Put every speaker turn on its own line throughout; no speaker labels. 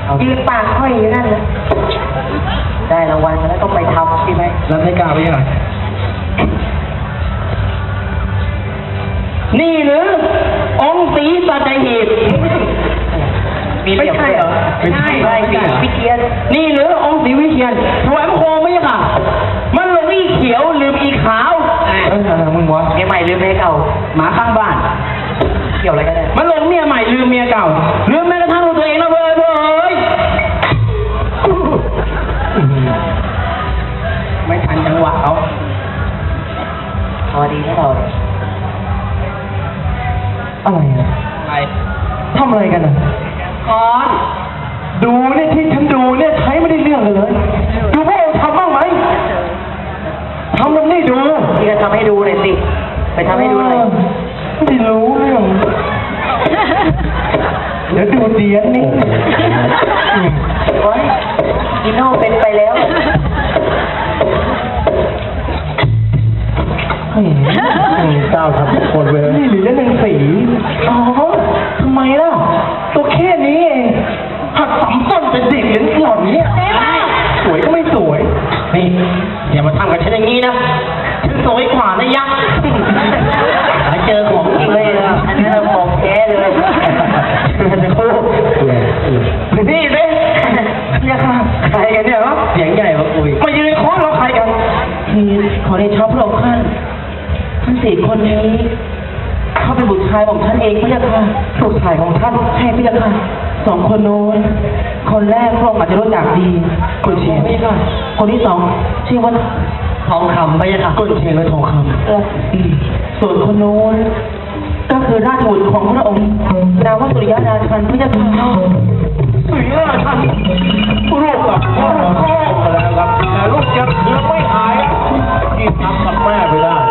ยืนปากค่อยอยู่นั่นเลยได้รางวัลมาแล้วต้องไปทำใช่ไหม
แล้วไม่กล้าไปยังไงนี่หรือองค์ศรีสัตหีบ
ไม่ใช่เหรอไม่ใช่วิเทียน
นี่หรือองค์ศรีวิเทียนถวายพระโคมไม่ใช่ค่ะมันลงอีเขียวลืมอีขาวอะไรมึงวะ
เมียใหม่ลืมเมียเก่า
หมาข้างบ้าน
เกี่ยวอะไรกันเนี่ย
มันลงเมียใหม่ลืมเมียเก่าลืมแม้กระทั่งตัวเองนะเว้ยไม่ทันจังหวะเขา
พอดีนะเรา
อะไรอะอะไรทำอะไรกันอ่ะดูเนี่ยที่ฉันดูเนี่ยใช้ไม่ได้เรื่องเลยดูพวกเราทำบ้างไหมทำมันไม่ดู
ที่จะทำให้ดูเลยสิไปทำให้ดูเลย
ไม่รู้เรื่องเดี๋ยวดูเดียนนี่
โอ๊ยกินโน่เป็นไปแล้ว
เจ้าทำทุกคนเลยนี่หรือเล่นหนังสีอ๋อทำไมล่ะตัวแค่นี้เองหักสามต้นเป็นเด็กอย่างหล่อนนี้สวยก็ไม่สวยนี่อย่ามาทำกับฉันอย่างนี้นะฉันสวยกว่านะยักษ์
เจอของจริงเลยนะอันนี้เราของแท้เลย
จะโค้นี่เด้เนี่ยค่ะใครกันเนี่ยวะเสียงใหญ่มาคุยมายืนค้อนเราใครกัน
คือขอได้ชอบพระองค์ท่านทั้ง4 คนนี้เขาเป็นบุตรชายของท่านเองพี่ยาค่ะ
บุตรชายของท่าน
ใช่พี่ยาค่ะ2 คนโน้นคนแรกพระองค์อาจจะรู้จักดี
กุนเชียง
พี่ยาค่ะคนที่2ชื่อว่าทองคำพี่ยาค่ะ
กุนเชียงและทองคำ
ส่วนคนโน้นก็คือราชบุตรของพระองค์นามว่าสุริยะราชันพี่ยาค่ะ
สุริยะราชันลูกกับพ่อแล้วครับแต่ลูกยังไม่หายที่ทำกับแม่ไปได้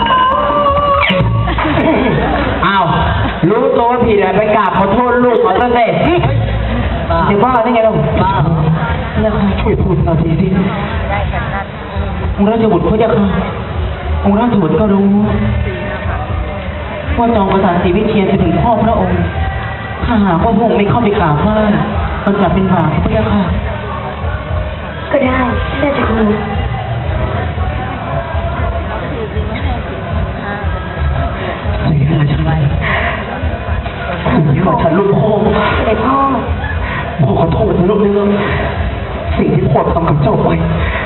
อ้าวรู้ตัวว่าผิดไปกราบขอโทษลูกขอโทษเลย
เดี๋ยวบ้าได้ไงล่ะ
บ้า
แล้วใครช่วยพูดนาทีสิองค์ราชบุตรเขาจะองค์ราชบุตรก็รู้ว่าจอมกษัตริย์ศรีวิเชียรจะถึงพ่อพระองค์ถ้าหากว่าพระองค์ไม่เข้าไปกราบไหว้มันจะเป็นบาปพระเจ้าค่ะ
ก็ได้น่าจะรู้
สิ่งที่เราจะไล่สิ่งที่เราจะลูกพ่อ
เด็กพ่อ
ขอโทษนะลูกเรื่องสิ่งที่พ่อทำกับเจ้าไป